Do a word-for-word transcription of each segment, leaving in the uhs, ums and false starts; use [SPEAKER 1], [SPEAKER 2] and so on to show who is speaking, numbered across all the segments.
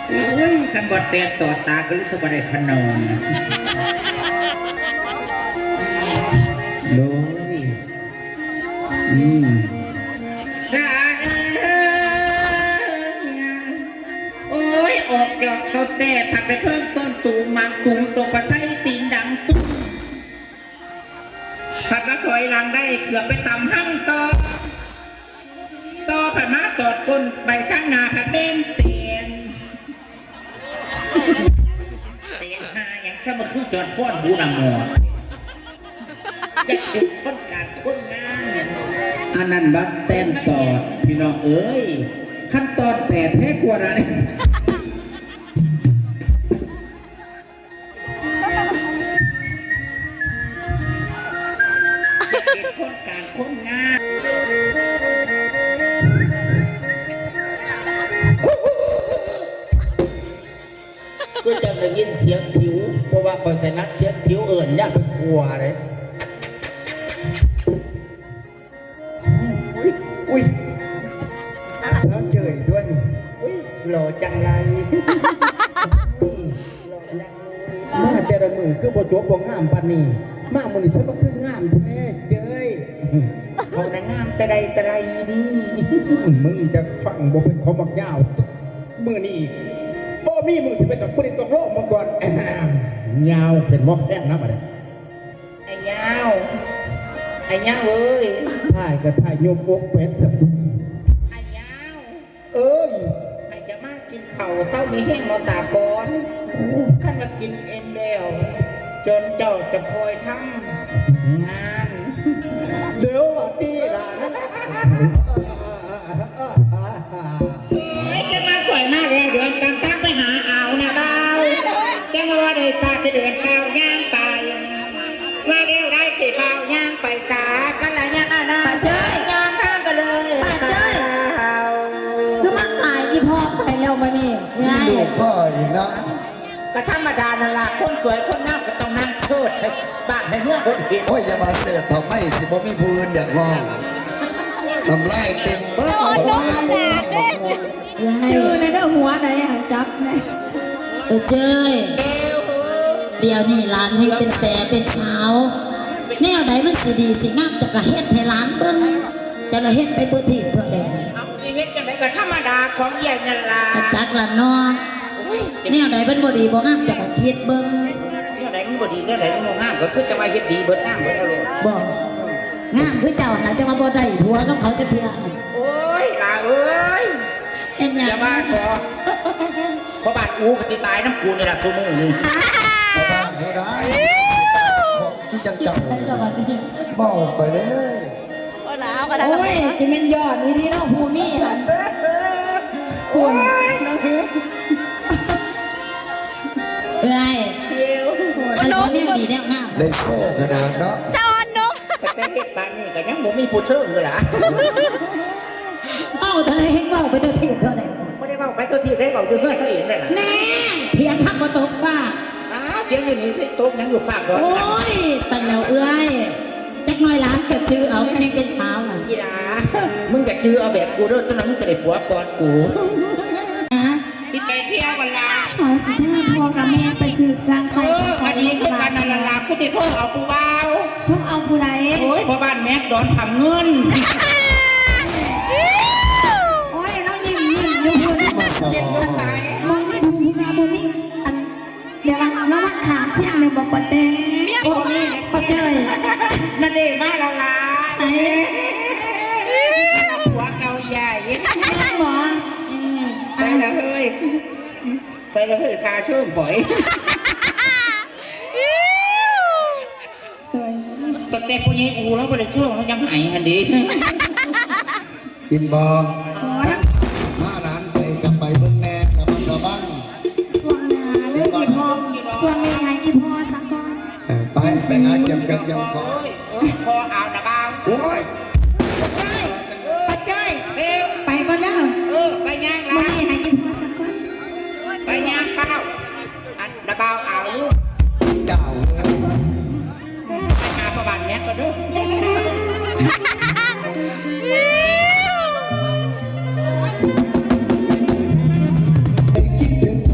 [SPEAKER 1] เฮ้ยขันบอดแตกต่อตาก็รู้สึกว่าได้ขนมโดยอืมได้โอ้ยออกจากเต้าแต่ผัดไปเพิ่มต้นตูมังตุงตกปะไทยตีนดังตุ้มผัดมาถอยหลังได้เกือบไปต่ำหั่งต่อต่อผัดมาตอดก้นใบข้างหน้าผัดเบนเตียนเตียนหาอย่างสมคือจอดฟ้อนบูนามอดจะถึงคนการคนงานอันนั้นบัดเต้นตอดพี่น้องเอ้ยขั้นตอนแปดแพ้กว่าอะไรคนการคนงานก็จะได้ยินเสียงถิวเพราะว่าคอยใส่นัดเสียงถิวเอิ่นย่าไปกลัวเลยอุ้ยอุ้ยสาวเฉยด้วยอุ้ยหล่อจังไรมาแต่ละมือคือบทจบบ่งามปานนี้มามือนี่ฉันก็คืองามแท้เจ้ยเขาน่ะงามแต่ใดแต่ใดดีมึงจะฟังบ่เป็นเขามักยาวมือนี่บ่มีมึงที่เป็นดอกปุริตกโลกมาก่อนยาวเป็นมอกแดงนะบัดนี้ไอ้ยาวไอ้ยาวเอ้ยถ่ายก็ถ่ายโยมอกเป็ดสับไอ้ยาวเอ้ยไอ้จะมากินข้าวเต้ามีแห้งมาตาก่อนขั้นมากินเอ็นเดวจนเจ้าจะคอยทำงานเดี๋ยววันนี้ล่ะนะไม่จะมาก่อยมากเลยเดือนกันตั้งไปหาเอานะเบาจะมาว่าได้ตาจะเดือนข้าวย่างไปว่าเร็วได้สิข้าวย่างไปกากันละย่างนะป้าเจ้ยย่างข้างกันเลยป้าเจ้ยคือมันตายอีพ่อไปแล้วมานี่
[SPEAKER 2] ดูพ่ออีกนะ
[SPEAKER 1] ก็ธรรมดานั่นล่ะคนสวยคนงามก็ต้องนั่งโทษบ้านให้เมื่อคนเห็น
[SPEAKER 2] โอ้ยอย่ามาเสียทำไมสิบ่มีพื้นอยากมองทำไรเต็มเบิ้ลคนละคนละคน
[SPEAKER 3] จือในเด้อหัวไหนหันจับไหน
[SPEAKER 4] เออเจ้ยเดี๋ยวนี่ร้านให้เป็นแสเป็นสาวแนวไหนมันสิดีสิงามจะกระเฮ็ดให้ร้านเบิ้งจะละเฮ็ดไปตัวที่ตัวแดง
[SPEAKER 1] เอาที่เฮ็ดจังไดก็ธรรมดาของใหญ่นั่นล่ะ
[SPEAKER 4] จักละน้องแนวไหนเป็นบ่ดีบ่งามจะกระคิดเบิ้ง
[SPEAKER 1] แนวไหนมันบ่ดีแนวไหนมันบ่งามก็คือจะมาเฮ็ดดีเบิดงามเบิดอารมณ์
[SPEAKER 4] บ่งามคือเจ้าน่ะจะมาบ่ได้ผัวกับเขาจะเทื่อ
[SPEAKER 1] โอ้ยล่ะเอ้ย
[SPEAKER 4] เอ็นหยัง
[SPEAKER 1] อย่ามาเถอะเพราะบ้านอูก็สิตายน้ำกูนี่ล่ะชั่วโมงนึง
[SPEAKER 2] มาบ้านเขาได้ที่จังจังเมาไปเลย
[SPEAKER 3] โอ้ยจะเป็นยอดดีๆเนาะภูมี่หันคุณ
[SPEAKER 4] เอ้ย
[SPEAKER 1] เดี๋ยว
[SPEAKER 4] อันนี้ดีแนวงาม
[SPEAKER 2] เลยโซ่ขนาดเนาะ
[SPEAKER 4] จอนเนาะ
[SPEAKER 1] แต่เฮ็ดบ้านนี่ก็ยังบ่มีผู้เชิญเลยล่ะ
[SPEAKER 4] เอ้าทะเลเฮงเว้าไปตัวที่เท่าใด
[SPEAKER 1] บ่ได้เว้าไปตัวที่ได้เว้าอยู่เฮือนตัวเองนั่นล่ะ
[SPEAKER 4] แน่เพียงทักบ่ตกว่า
[SPEAKER 1] อ้าเพียงอยู่นี่สิตกยังอยู่ฝากก่อน
[SPEAKER 4] โอ้ยสั่นแล้วเอ้ยจักน้อยล้านเกิดชื่อเอาให้เป็นสาวน่ะ
[SPEAKER 1] อีหลามึงอยากจื้อเอาแบบกูเด้อตอนนั้นมึงจะได้ผัวก่อนกูสิไปเที่ยวกันล่ะ
[SPEAKER 3] ขอสิเธอพ่อกับแม่ไปซื้อรังไข่
[SPEAKER 1] ใส่ดีคือกันนั่นล่ะกูจะโทรเอากูเบา
[SPEAKER 3] ทุกเอาผู้ใด
[SPEAKER 1] โอ้ยพ่อบ้านแม็กดอนทำเงิน
[SPEAKER 3] โอ้ยน้องยิ้มยิ้มยิ้มพูด
[SPEAKER 1] เย็นก็ตาย
[SPEAKER 3] มองไม่ถูกงาบุมีอันเดี๋ยวเราเรามาขามเสียงเนี่ยบอกปะเต้
[SPEAKER 1] โอ้ย
[SPEAKER 3] ปะเจ้ย
[SPEAKER 1] นั่นเองมาแล้วล่ะหัวเกาใหญ่
[SPEAKER 3] นั่งหมอ
[SPEAKER 1] ใส่ละเฮ้ยใส่ละเฮ้ยคาช่วงหอยตั้งแต่ปุญญ์อูแล้วไปเลยช่วงแล้วยังหายหันดี
[SPEAKER 2] อินบอมาร้านไปกับไปเบิ้งแน่กับมันระบัง
[SPEAKER 3] ส่วนนาเรื่องอีพอส่วนแม่หายอีพอสักก่อน
[SPEAKER 2] ไปไปหาเก็บกันยังขอ
[SPEAKER 1] พอเอานะบ้าง
[SPEAKER 2] โอ้ย
[SPEAKER 3] ปะเจ้ยไปก่อนเด้อ
[SPEAKER 1] เออไปย่าง
[SPEAKER 3] ละแม่หายอีพอสักก่อน
[SPEAKER 1] ไปย่างข้าวอันนะบ้าเอาลูก
[SPEAKER 2] เจ้า
[SPEAKER 1] ไปหาประบาทแม็กก็ด้วย
[SPEAKER 2] คิดถึง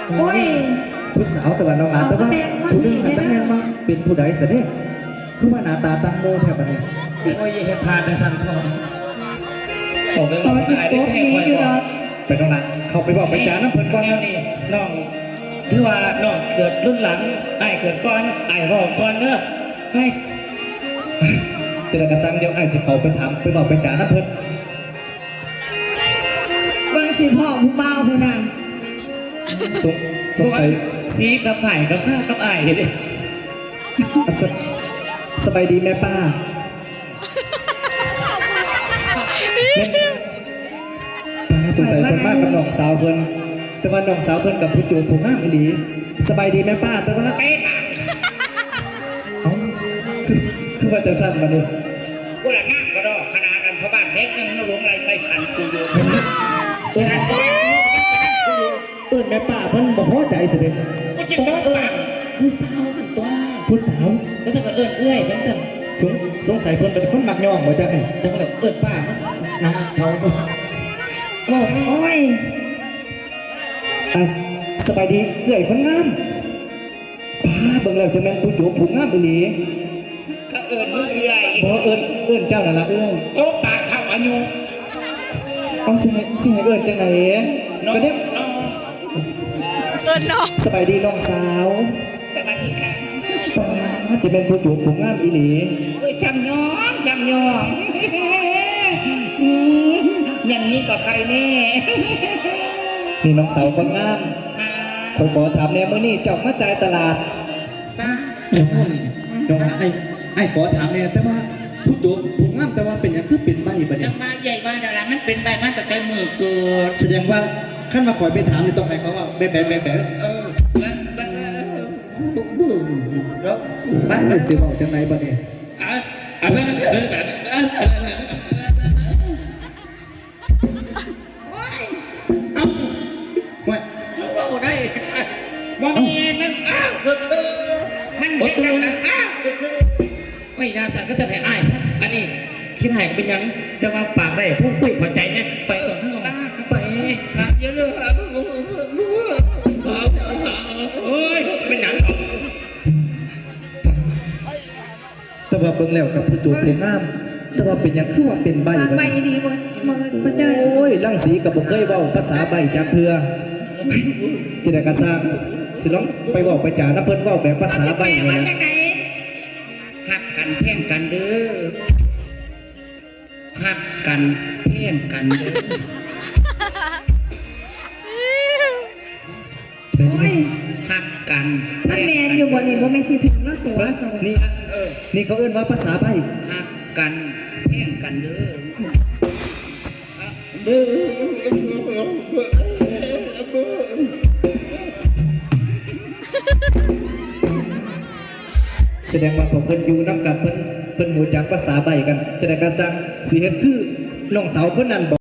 [SPEAKER 3] โอ้ย
[SPEAKER 1] ผู้สาวแต่ว่าน้องหลานแต่ว่าผู้นึงหันตั้งแม่นมาเป็นผู้ใดเสด็จคือว่าหน้าตาตั้งโมแทบบัดนี้
[SPEAKER 5] โอ้ยเฮ็ดทานแต่สั่นพ่อผมไป
[SPEAKER 3] ข
[SPEAKER 5] บอ
[SPEAKER 3] อก สิ
[SPEAKER 5] ว่า
[SPEAKER 3] โป๊
[SPEAKER 5] ไอ้
[SPEAKER 3] ก
[SPEAKER 5] ได้แช่
[SPEAKER 3] นี้
[SPEAKER 5] คอย
[SPEAKER 3] อยู่
[SPEAKER 5] บ
[SPEAKER 3] ด
[SPEAKER 5] อ
[SPEAKER 3] อก ก
[SPEAKER 1] ไปน้องหลานเข้าไปบอกไปจาน้ำเพิ่นก่อน
[SPEAKER 5] แนวนี้น้องถือว่าน้องเกิดรุ่นหลังไอ้เกิดก่อนไอ้บอกก่อนเนอะให้
[SPEAKER 1] เจรกระซังเดี๋ยวไอ้สิเขาไปถามไปบอกไปจาน้ำเพิ่น
[SPEAKER 3] เบิ่งสิพ่อผู้เบาผู้น่ะ
[SPEAKER 1] สงสงสัย
[SPEAKER 5] ซีกับไข่กับข้ากับไอ้เด้
[SPEAKER 1] สสบายดีแม่ป้าแม่ป้าสงสัยเพิ่นมากกับน้องสาวเพิ่นแต่ว่าน้องสาวเพิ่นกับผู้จูบผู้งามอีหลีสบายดีแม่ป้าแต่ว่าเอ๊ะเอ้าคือคือว่าจังซั่นบัดนี้
[SPEAKER 6] กูละงามก็ดอกขนาดกันเพราะบ้านเล็กนึงหลวงไรไฟขันกูอยู่
[SPEAKER 1] เอิ้นเอิ้นแม่ป้าเพิ่นบ่พอใจเสิเด้
[SPEAKER 6] กูจะต้องปาก
[SPEAKER 5] ผู้สาวสันตัว
[SPEAKER 1] ผู้สาว
[SPEAKER 5] ก็จะก็เอิ้นเอื้อยเป็นสัน
[SPEAKER 1] สงสงสัยเพิ่นเป็นคนมักย่องบ่จักนี่
[SPEAKER 5] จังแบบเอิ้นป้านะเขาบอก
[SPEAKER 3] โอ้ย
[SPEAKER 1] อ่ะสบายดีเอื้อยคนงามป้าเบิ่งแล้วจะแม่นผู้จูบผู้งามอีหลี
[SPEAKER 6] เขาเอิญมึงเอื่อย
[SPEAKER 1] บ่เอิ้นเอิ้นเจ้านั่นล่ะเอื้อย
[SPEAKER 6] โต๊ะปากเข้าอายุ
[SPEAKER 1] เอาสิให้สิให้เอิ้นจังไหน
[SPEAKER 6] น้อง
[SPEAKER 1] ก็เด้
[SPEAKER 6] น้อง
[SPEAKER 1] สบายดีน้องสาว
[SPEAKER 6] สวัสดีค่ะ
[SPEAKER 1] ป้าจะเป็นผู้จูบผู้งามอีหลี
[SPEAKER 6] เอ้ยจำยองจำยองอืมอย่างนี้ก็ใครแน่
[SPEAKER 1] นี่น้องสาวคนงามขอยขอถามแหน่มื้อนี้เจ้ามาจ่ายตลาด
[SPEAKER 6] ป้า
[SPEAKER 1] น้องไอ้ไอ้ขอถามแหน่แต่ว่าผู้จูบผู้งามแต่ว่าเป็นหยังคือเป็นใบบัด
[SPEAKER 6] จะ
[SPEAKER 1] นี้
[SPEAKER 6] มาใหญ่บ้านดารามันเป็นใบมันแต่ใจมือเกิด
[SPEAKER 1] แสดงว่าขั้นมาขอยไปถามนี่ต้องให้เขาว่าแบะแบะแบะแบะ
[SPEAKER 6] เออบ้านบ้านแล้ว
[SPEAKER 1] บ้านเป็นสิบอกจังไหนบัดนี้
[SPEAKER 5] อ่ะอ่ะแบบแบบแบบ
[SPEAKER 1] ว่า
[SPEAKER 5] เราได้
[SPEAKER 6] มองเห็นมันอ้าวคือเธอมันเห็นกันอ้าวคือเธอ
[SPEAKER 5] ไม่น่าสั่นก็จะให้อ้ายซะอันนี้คิดให้เป็นยังจะมาปากได้พูดคุยขอใจเนี่ยไปก่อนเถอะไป
[SPEAKER 6] เยอะเลย
[SPEAKER 5] โอ้ยเป็นหนัง
[SPEAKER 1] แต่ว่าเบิ่งแล้วกับผู้จูบผู้งามแต่ว่าเป็นหยังคือว่าเป็นใบ
[SPEAKER 3] ปาก
[SPEAKER 1] บัด
[SPEAKER 3] ใบ
[SPEAKER 1] นี้
[SPEAKER 3] ดีบ่มือบ่เจอ
[SPEAKER 1] โอ้ยลังสีกับบ่เคยเว้าภาษาใบจักเทื่อจิได้กระซางสิลองไปเว้าไปจาน้ำเพิ่นเว้าแบบภาษาใบ
[SPEAKER 6] แม่
[SPEAKER 1] เลย
[SPEAKER 6] มา
[SPEAKER 1] นะ
[SPEAKER 6] จากไหนหักกันเพ่งกันเด้อหักกันเพ่งกันเด้อ
[SPEAKER 1] เป็น
[SPEAKER 3] โอ้ย
[SPEAKER 6] หักกัน
[SPEAKER 3] มันแมนอยู่บ่นี่บ่แม่นสิถึงเนาะตัวสวัสดี
[SPEAKER 1] นี่
[SPEAKER 6] เออ
[SPEAKER 1] นี่เขาเอิ้นว่าภาษาใบ
[SPEAKER 6] หักกันเพ่งกันเด้อเด้อ
[SPEAKER 1] แสดงว่าผมเพิ่นอยู่นำกันเพิ่นเพิ่นหูจักภาษาใบกันจะได้การจังสิเฮ็ดคือน้องสาวเพิ่นนั่นบ่